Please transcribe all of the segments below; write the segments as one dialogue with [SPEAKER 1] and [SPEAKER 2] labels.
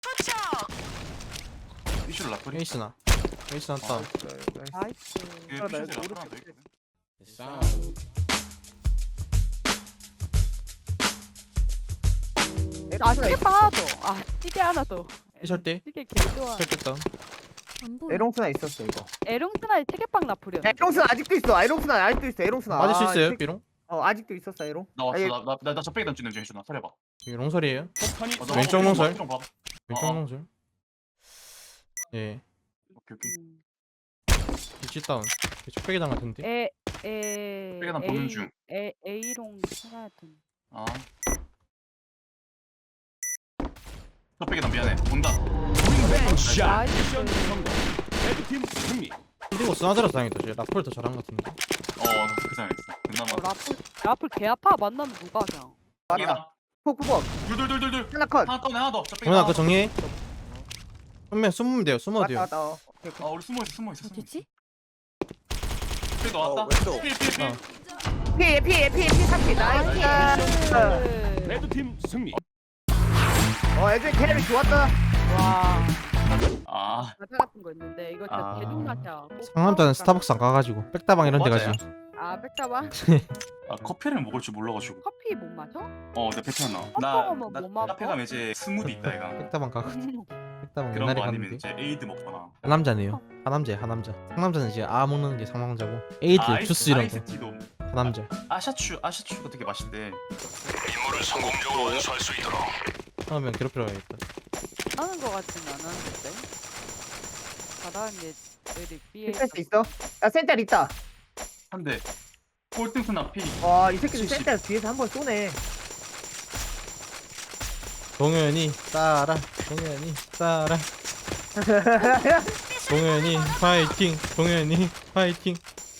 [SPEAKER 1] 이슈를 라플이.
[SPEAKER 2] 에이스나 다
[SPEAKER 3] 나이스.
[SPEAKER 1] 그 피셔츠가 하나 더 있거든.
[SPEAKER 3] 아 찌개빵 하나 더. 아 찌개 하나 더.
[SPEAKER 2] 해설 때
[SPEAKER 3] 찌개 개 좋아.
[SPEAKER 2] 펼쳤다.
[SPEAKER 4] 안 보여.
[SPEAKER 5] 에롱스나 있었어 이거.
[SPEAKER 3] 에롱스나의 찌개빵 라플이었는데.
[SPEAKER 5] 에롱스나 아직도 있어. 에롱스나 아직도 있어. 에롱스나.
[SPEAKER 2] 맞을 수
[SPEAKER 5] 아,
[SPEAKER 2] 있어요
[SPEAKER 5] 이 새끼-
[SPEAKER 2] 삐롱?
[SPEAKER 5] 아직도 있었어 에롱.
[SPEAKER 1] 나 왔어.
[SPEAKER 5] 아니,
[SPEAKER 1] 나 적배기 던지는 중 해주나. 설해봐.
[SPEAKER 2] 이게 롱설이에요.
[SPEAKER 1] 너
[SPEAKER 2] 왼쪽
[SPEAKER 1] 좀
[SPEAKER 2] 롱설.
[SPEAKER 1] 좀 봐봐.
[SPEAKER 2] 왼쪽
[SPEAKER 1] 어.
[SPEAKER 2] 롱설. 예.
[SPEAKER 1] 오케이 오케이.
[SPEAKER 2] 위치 다운. 촉배기당 같은데.
[SPEAKER 1] 찌개나 보는 중.
[SPEAKER 3] A롱 하나 더.
[SPEAKER 1] 아. 적배기 난 미안해. 온다.
[SPEAKER 3] 나이스.
[SPEAKER 4] 레드팀 승리.
[SPEAKER 2] 그리고 스나드라서 다행이다. 쟤 라플 더 잘한 것 같은데.
[SPEAKER 1] 그 생각했어. 그나마.
[SPEAKER 3] 라플 개 아파. 만나면 누가 그냥.
[SPEAKER 5] 맞다. 포크볼
[SPEAKER 1] 둘둘둘둘둘.
[SPEAKER 5] 하나 컷.
[SPEAKER 1] 하나 떠내 하나 더. 적배기
[SPEAKER 2] 정훈아
[SPEAKER 1] 하나
[SPEAKER 2] 그
[SPEAKER 1] 더.
[SPEAKER 2] 정리해. 한명 숨으면 돼요. 숨어도 돼요.
[SPEAKER 5] 왔다 왔다. 오케이,
[SPEAKER 1] 아 우리 숨어 있어 숨어 있어.
[SPEAKER 3] 어디지?
[SPEAKER 1] 적배기 왔다.
[SPEAKER 6] 왼쪽.
[SPEAKER 1] 필.
[SPEAKER 2] 어.
[SPEAKER 5] 피 30. 나이스.
[SPEAKER 4] 레드팀 승리.
[SPEAKER 5] 애들 캐리 좋았다.
[SPEAKER 3] 와.
[SPEAKER 1] 아.
[SPEAKER 3] 과자 같은 거 있는데 이거 진짜
[SPEAKER 1] 아.
[SPEAKER 3] 대중마샤.
[SPEAKER 2] 상남자는 스타벅스 안 가가지고 백다방 이런 데
[SPEAKER 1] 맞아요.
[SPEAKER 2] 가지.
[SPEAKER 3] 아 백다방?
[SPEAKER 1] 아 커피를 먹을 줄 몰라가지고.
[SPEAKER 3] 커피 못 마셔?
[SPEAKER 1] 내 배터나.
[SPEAKER 3] 햄버거 뭐 먹어?
[SPEAKER 1] 카페 가면 이제 스무디 있다 이가.
[SPEAKER 2] 백다방 가가지고. 백다방
[SPEAKER 1] 그런
[SPEAKER 2] 옛날에
[SPEAKER 1] 거 아니면
[SPEAKER 2] 갔는데.
[SPEAKER 1] 이제 에이드 먹거나.
[SPEAKER 2] 하남자네요. 하남자. 상남자는 이제 아 먹는 게 상남자고. 에이드, 주스 이런 거.
[SPEAKER 1] 아이스티도.
[SPEAKER 2] 하남자.
[SPEAKER 1] 아샤추가 되게 맛있대.
[SPEAKER 4] 임무를 성공적으로 완수할 수 있도록.
[SPEAKER 2] 하면 괴롭히러 가야겠다.
[SPEAKER 3] 하는 거 같진 않았는데. 바다는 애들이 B에
[SPEAKER 5] 디펜스 있어? 야 센터 있다.
[SPEAKER 1] 한데 꼴등순 앞이
[SPEAKER 5] 와 이 새끼들
[SPEAKER 1] 70.
[SPEAKER 5] 센터 뒤에서 한 번 쏘네.
[SPEAKER 2] 동현이 따라. 동현이 파이팅. 동현이 파이팅.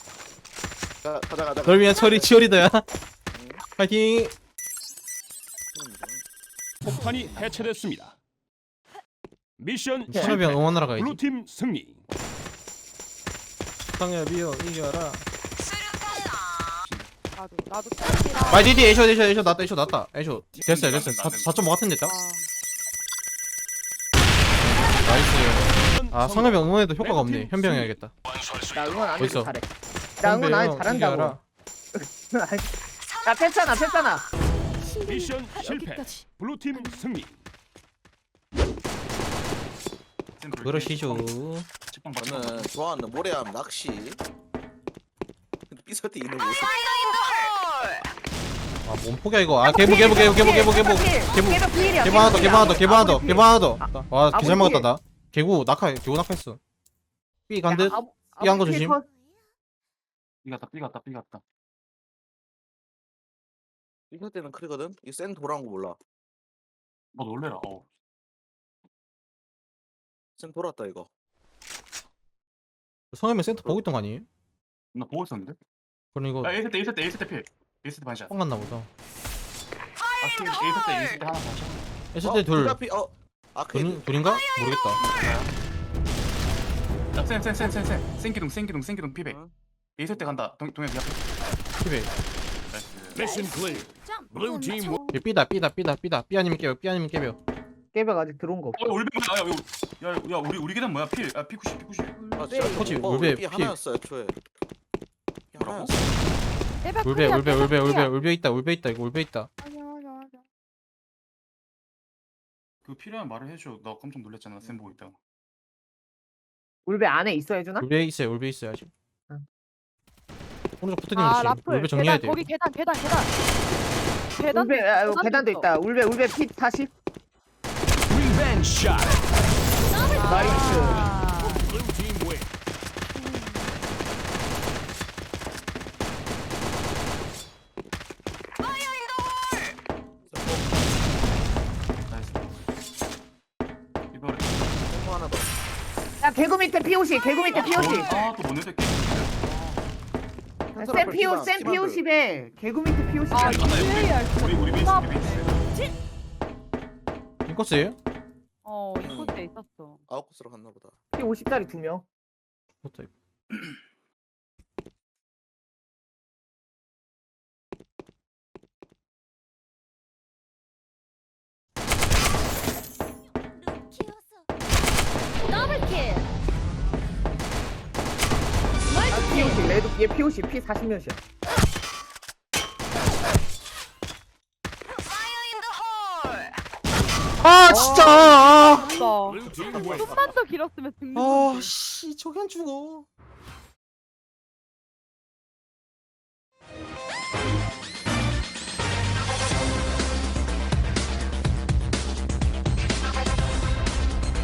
[SPEAKER 6] 가자.
[SPEAKER 2] 널 위한 치어리더야. 파이팅.
[SPEAKER 4] 폭탄이 해체됐습니다. 미션
[SPEAKER 2] 상엽이 형 응원하러 가야지.
[SPEAKER 4] 블루팀 승리.
[SPEAKER 2] 상엽이 형 이겨라.
[SPEAKER 3] 나도 짱이라.
[SPEAKER 2] 마이 디디 에이쇼 났다. 에이쇼 됐어요. 4.5 같은 데 있다. 나이스. 아 상엽이 형 응원해도 효과가 없네. 현병 해야겠다.
[SPEAKER 4] 완수할 수
[SPEAKER 5] 나
[SPEAKER 4] 있도록.
[SPEAKER 5] 응원 안 해도
[SPEAKER 2] 어딨어?
[SPEAKER 5] 잘해. 나 응원 안 해도 잘한다고. 야 패스하나.
[SPEAKER 4] 미션 실패. 블루팀 승리.
[SPEAKER 2] 그러시죠.
[SPEAKER 1] 책방 받쳐.
[SPEAKER 6] 저는 좋아하는 모래암 낚시. 삐설 때 있는 모습.
[SPEAKER 2] 아 몸 포기야 이거. 아 개보. 개보 하나 더. 와 개잘 먹었다 나. 개구 낙하했어. 삐 간듯. 삐한 거 조심.
[SPEAKER 1] 삐갔다.
[SPEAKER 6] 삐설 때는 크리거든. 이 센 돌아온 거 몰라.
[SPEAKER 1] 뭐 놀래라.
[SPEAKER 6] 센 돌았다 이거.
[SPEAKER 2] 성현이 센터 보고 있던 거 아니에요?
[SPEAKER 1] 나 보고 있었는데.
[SPEAKER 2] 그럼 이거
[SPEAKER 1] 야 1세 때 필. 1세 때 반샷.
[SPEAKER 2] 뻥 갔나 보다.
[SPEAKER 1] 아 1세 때 하나 반샷.
[SPEAKER 2] 했을 때 둘.
[SPEAKER 6] 아크.
[SPEAKER 2] 둘인가? 모르겠다.
[SPEAKER 1] 야 센기둥 피백.
[SPEAKER 6] 응?
[SPEAKER 1] 1세 때 간다. 동현 니 앞에.
[SPEAKER 2] 피베.
[SPEAKER 1] 나이스.
[SPEAKER 4] 미션 클리어. 블루팀
[SPEAKER 2] 얘 삐다. 삐 아니면 깨벼.
[SPEAKER 5] 깨벽 아직 들어온 거 없어.
[SPEAKER 1] 올백 뭐야? 야 우리 계단 뭐야? 필. P90.
[SPEAKER 6] 아 진짜.
[SPEAKER 2] 코치,
[SPEAKER 6] 오빠,
[SPEAKER 2] 울베
[SPEAKER 6] 우리 삐
[SPEAKER 2] 피.
[SPEAKER 6] 하나였어 애초에. 삐
[SPEAKER 1] 뭐라고?
[SPEAKER 6] 하나였어.
[SPEAKER 2] 울베 있다. 이거 울베 있다.
[SPEAKER 1] 그 필요한 말을 해줘. 나 깜짝 놀랐잖아. 쌤 보고 있다가.
[SPEAKER 5] 울베 안에 있어 해주나?
[SPEAKER 2] 울베 있어요 아직.
[SPEAKER 5] 응.
[SPEAKER 2] 오른쪽 붙어있는
[SPEAKER 3] 아
[SPEAKER 2] 거지.
[SPEAKER 3] 라플.
[SPEAKER 2] 울베 정리해야 돼.
[SPEAKER 3] 거기 계단.
[SPEAKER 5] 울베 계단도 있다. 울베 피 40.
[SPEAKER 4] 리벤지 샷.
[SPEAKER 5] 나이스.
[SPEAKER 4] 블루팀 윈.
[SPEAKER 1] 나이스. 이거
[SPEAKER 6] 또 하나 더.
[SPEAKER 5] 야 개구 밑에 P50.
[SPEAKER 1] 아또 뭔데 새끼.
[SPEAKER 5] 센 P50에 개구 밑에
[SPEAKER 3] 아
[SPEAKER 5] P50.
[SPEAKER 3] 이게
[SPEAKER 1] 우리 베이스.
[SPEAKER 2] 인코스예요?
[SPEAKER 3] 이곳에 있었어.
[SPEAKER 6] 아웃코스로 갔나 보다.
[SPEAKER 5] P50짜리 2명.
[SPEAKER 2] 좋다 이거.
[SPEAKER 5] 얘 POC 피 40몇이야.
[SPEAKER 2] 아 진짜. 아,
[SPEAKER 3] 없어.
[SPEAKER 4] Blue team win.
[SPEAKER 3] 좀만 더 길었으면 죽는
[SPEAKER 2] 아,
[SPEAKER 3] 건데.
[SPEAKER 2] 씨 저기 안 죽어.